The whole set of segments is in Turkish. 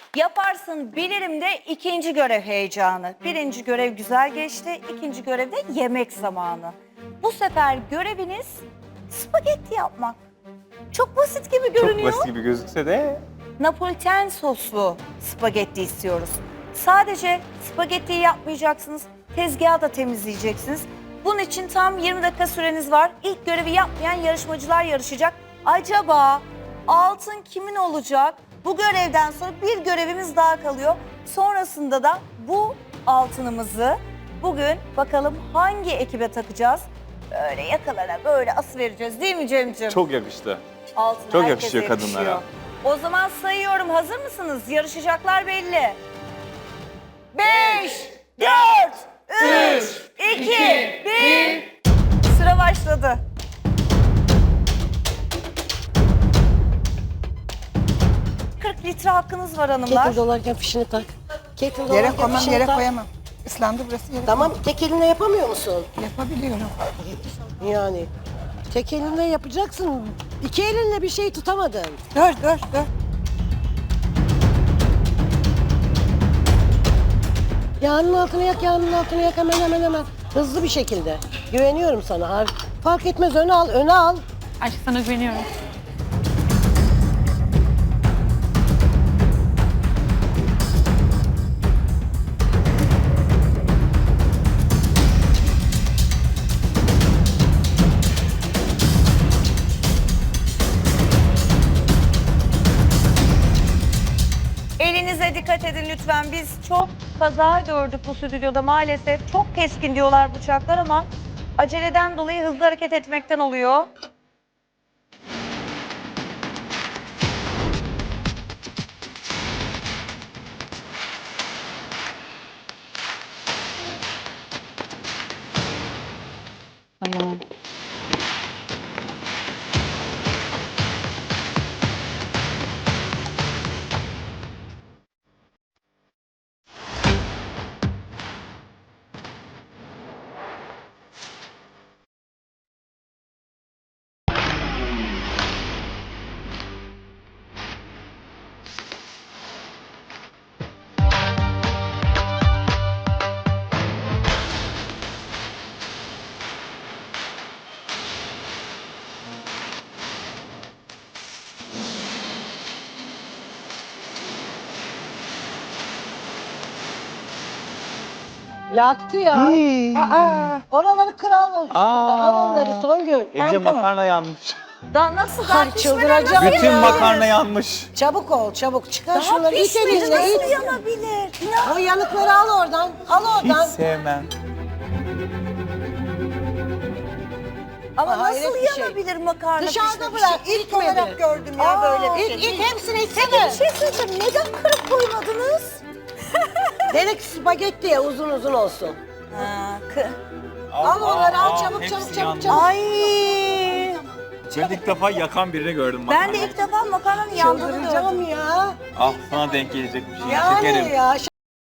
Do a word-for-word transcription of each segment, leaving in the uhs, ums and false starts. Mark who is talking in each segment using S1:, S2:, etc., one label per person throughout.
S1: Yaparsın bilirim de ikinci görev heyecanı. Birinci görev güzel geçti, ikinci görevde yemek zamanı. Bu sefer göreviniz spagetti yapmak. Çok basit gibi
S2: Çok
S1: görünüyor.
S2: basit gibi gözükse de
S1: Napoliten soslu spagetti istiyoruz. Sadece spagettiyi yapmayacaksınız, tezgahı da temizleyeceksiniz. Bunun için tam yirmi dakika süreniz var. İlk görevi yapmayan yarışmacılar yarışacak. Acaba altın kimin olacak? Bu görevden sonra bir görevimiz daha kalıyor. Sonrasında da bu altınımızı bugün bakalım hangi ekibe takacağız? Böyle yakalara böyle as vereceğiz değil mi Cem'ciğim?
S2: çok yakıştı.
S1: Altın
S2: Çok
S1: herkese
S2: yakışıyor kadınlara.
S1: O zaman sayıyorum. Hazır mısınız? Yarışacaklar belli. Beş, dört, üç, iki, bir. Sıra başladı. kırk litre hakkınız var hanımlar.
S3: Kettle dolarken fişini tak. Kettle
S4: Yere
S3: dolarken
S4: koymam,
S3: fişini
S4: yere
S3: tak.
S4: koyamam. Islandı burası, yere
S3: Tamam, tek elinle yapamıyor musun?
S4: koyamam. Yapabiliyorum.
S3: Yani tek elinle yapacaksın. İki elinle bir şey tutamadın.
S4: Dur, dur, dur.
S3: Yağının altını yak, yağının altını yak hemen hemen hemen. Hızlı bir şekilde. Güveniyorum sana. Har- Fark etmez, öne al, öne al.
S5: Aşk sana güveniyorum.
S1: Elinize dikkat edin lütfen. Biz çok kaza gördük bu stüdyoda maalesef. Çok keskin diyorlar bıçaklar ama aceleden dolayı hızlı hareket etmekten oluyor.
S5: Tamam.
S3: Yaktı ya. Aa, oraları kral.
S2: Aa.
S3: Al onları Songül.
S2: Ece makarna yanmış.
S1: Daha nasıl daha
S3: Ay,
S1: pişmeden
S3: çıldıracağım
S1: nasıl
S2: Bütün
S3: ya.
S2: makarna yanmış.
S3: Çabuk ol, çabuk. Çıkar
S1: Daha
S3: şunları. İt
S1: pişmedi
S3: elinle,
S1: nasıl
S3: it.
S1: yanabilir? İnan.
S3: O yanıkları al oradan. Al
S2: Hiç
S3: oradan.
S2: sevmem.
S1: Ama
S3: Aa, hayret
S1: nasıl
S3: bir şey.
S1: yanabilir makarna
S3: Dışarıda
S1: pişmemiş?
S3: bırak,
S1: İlk
S3: itmedi.
S1: olarak gördüm ya
S3: Aa,
S1: böyle bir
S3: it,
S1: şey.
S3: it, hepsini
S1: Peki
S3: itsene.
S1: bir şey söyleyeceğim. Neden kırıp koymadınız?
S3: Denek spagetti ya, uzun uzun olsun.
S1: Ha, kı-
S3: Al onları, al çabuk,
S2: hepsi
S3: çabuk, çabuk,
S2: yandı.
S3: çabuk.
S1: Ay.
S2: Ben ilk defa yakan birini gördüm
S1: Ben
S2: makarnayı.
S1: de ilk defa makarnanın yandığını gördüm.
S3: Çıldıracağım ya.
S2: Ah sana denk gelecek bir şey.
S3: Yani
S2: Şekerim.
S3: ya.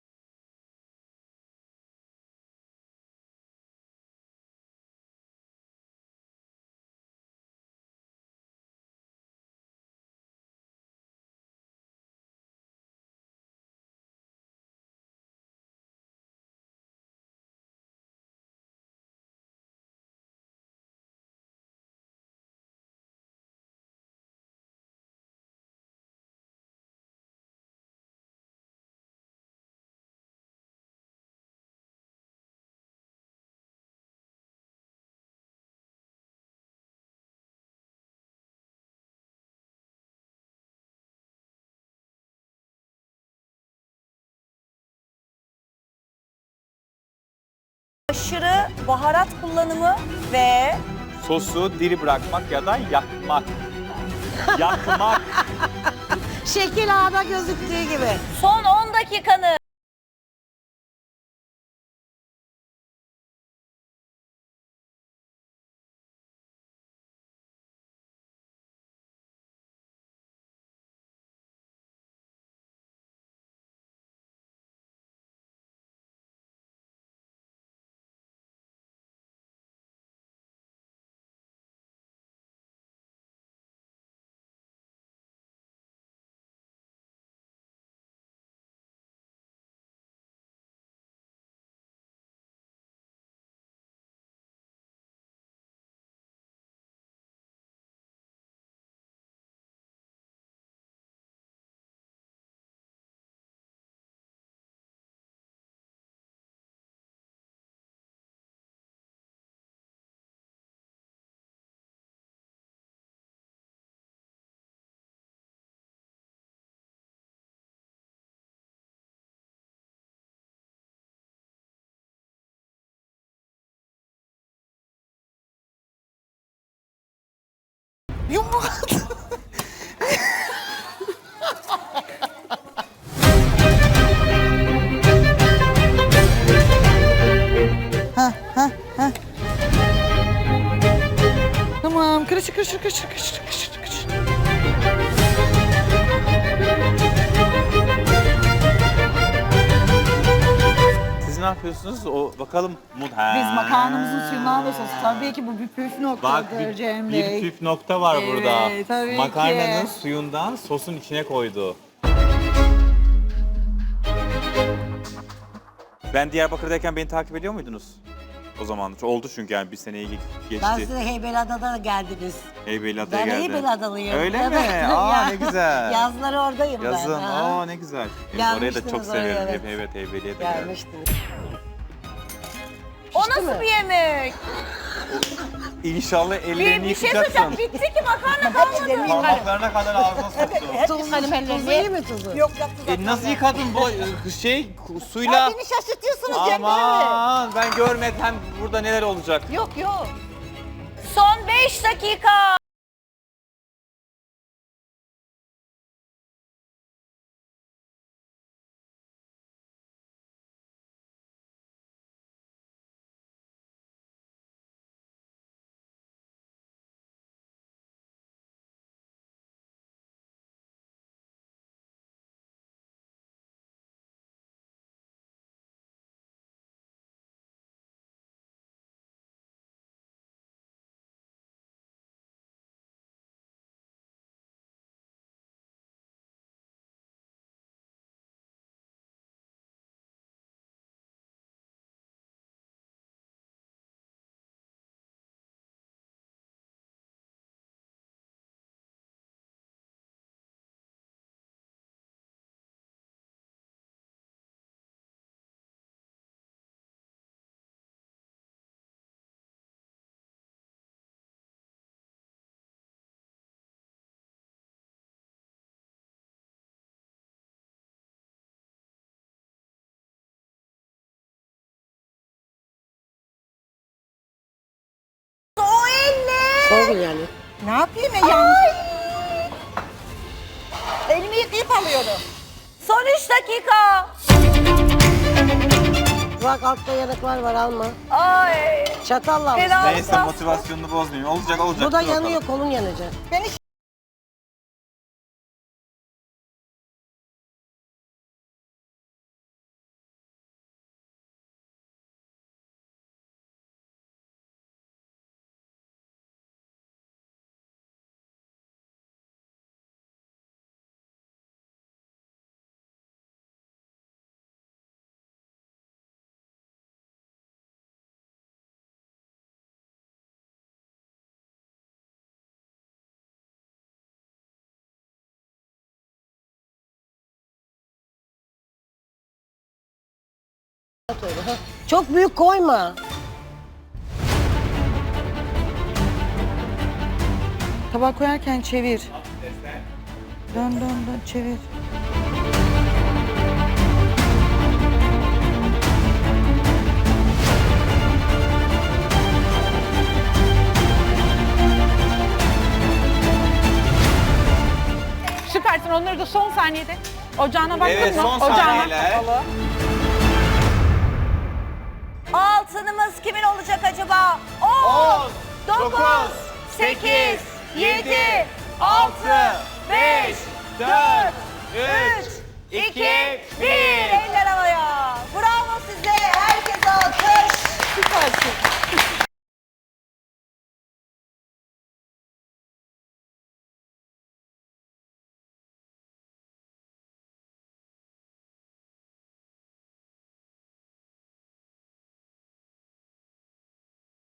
S1: Aşırı baharat kullanımı ve
S2: Sosu diri bırakmak ya da yakmak. Yakmak.
S3: Şekil ağda gözüktüğü gibi.
S1: son on dakikanı
S4: Yumruk. Ha ha ha. Tamam, kırışır kırışır kırışır kırışır kırışır kırışır.
S2: Siz ne yapıyorsunuz? O bakalım. Mut.
S4: Biz makarnamızın suyunu alıyoruz. Tabii ki bu bir püf
S2: Bak
S4: noktadır
S2: bir,
S4: Cem
S2: bir
S4: Bey.
S2: püf nokta var
S4: Evet,
S2: burada.
S4: tabii
S2: Makarnanın
S4: ki.
S2: suyundan sosun içine koydu. Ben Diyarbakır'dayken beni takip ediyor muydunuz? O zaman oldu çünkü yani bir seneyi ge- geçti.
S3: Ben size Heybeliada'da geldiniz.
S2: Heybeliada'ya
S3: Ben
S2: geldi.
S3: Heybeliadalıyım.
S2: Öyle mi?
S3: Evet.
S2: Aa
S3: Ya,
S2: ne güzel.
S3: Yazları oradayım
S2: Yazın.
S3: ben. ha.
S2: Aa ne güzel. Evet, orayı da çok
S3: Gelmiştiniz oraya,
S2: severim.
S3: evet.
S2: Evet, evet Heybeliada'ya geldim.
S3: Gelmiştiniz.
S1: O
S3: Pişti
S1: nasıl
S3: mi?
S1: bir yemek?
S2: İnşallah
S1: Bir,
S2: ellerini
S1: bir şey
S2: yıkacaksın.
S1: söyleyeceğim. Bitti ki makarna kalmadı.
S2: Parmaklarına kadar ağzına soktu.
S3: Tuzu, tuzu iyi mi tuzu?
S4: Yok yok.
S2: E, nasıl yıkadın bu e, şey suyla?
S4: Beni şaşırtıyorsunuz Cem Bey.
S2: Aman ben görmedim burada neler olacak.
S4: Yok yok.
S1: Son beş dakika. O elle.
S3: Sorgun yani.
S4: Ne yapayım ya? Ay. Elimi yıkayıp alıyorum.
S1: Son üç dakika.
S3: Bak altta yanıklar var alma.
S1: Ay.
S3: Çatalla al.
S1: Fena.
S2: Neyse motivasyonunu bozmayayım. Olacak olacak.
S3: Bu da
S2: dur bakalım.
S3: yanıyor, kolun yanacak.
S4: Beni
S3: Çok büyük koyma.
S4: tabağa koyarken çevir. Dön dön dön çevir.
S5: Süpersin. Onları da son saniyede. Ocağına baktın
S2: Evet
S5: mı?
S2: son
S5: Ocağına.
S2: saniyeler.
S1: Altınımız kimin olacak acaba? on,
S2: on,
S1: dokuz,
S2: dokuz,
S1: sekiz, yedi,
S2: altı,
S1: beş,
S2: dört,
S1: üç,
S2: üç,
S1: iki,